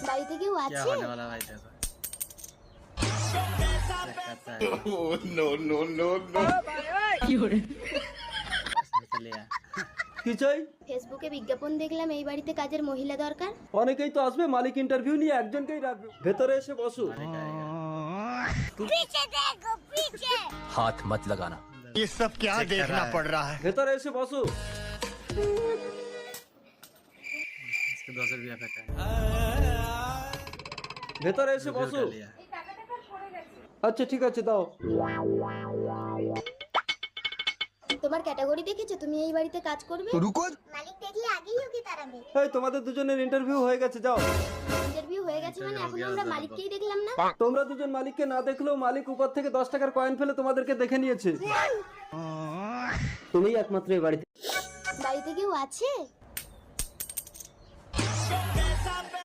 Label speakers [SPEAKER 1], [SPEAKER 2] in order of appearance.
[SPEAKER 1] বাড়িতে কেউ
[SPEAKER 2] क्या
[SPEAKER 1] আছে?
[SPEAKER 2] होने वाला भाई तेरा?
[SPEAKER 3] नो नो नो नो
[SPEAKER 2] चले यार।
[SPEAKER 4] কি চাই?
[SPEAKER 1] ফেসবুকে বিজ্ঞাপন দেখলাম এই বাড়িতে কাজের মহিলা দরকার।
[SPEAKER 4] অনেকেই তো আসবে, মালিক ইন্টারভিউ নিয়ে একজনকেই রাখবে। ভেতরে এসে বসো।
[SPEAKER 2] मालिक आएगा।
[SPEAKER 5] हाथ मत लगाना।
[SPEAKER 3] ये सब क्या देखना पड़ रहा है।
[SPEAKER 4] ভেতরে এসে বসো।
[SPEAKER 2] इसको 200 रुपया फेंका है।
[SPEAKER 4] ভেতরে এসে
[SPEAKER 2] रुपया
[SPEAKER 4] বসো।
[SPEAKER 2] उठा लिया।
[SPEAKER 4] আচ্ছা ঠিক আছে, দাও।
[SPEAKER 1] তোমার ক্যাটাগরি দেখেছো, তুমি এই বাড়িতে কাজ করবে?
[SPEAKER 3] रुको
[SPEAKER 1] মালিক দেখলে আগেই ওকে তাড়াবে।
[SPEAKER 4] এই তোমাদের দুজনের ইন্টারভিউ হয়ে গেছে, যাও।
[SPEAKER 1] ইন্টারভিউ হয়ে গেছে মানে এখন আমরা মালিককেই দেখলাম না।
[SPEAKER 4] তোমরা দুজন মালিককে না দেখলেও মালিক উপর থেকে 10 টাকার কয়েন ফেলে তোমাদেরকে দেখে নিয়েছে। তুমিই একমাত্র এই বাড়িতে।
[SPEAKER 1] বাড়িতে কেউ আছে?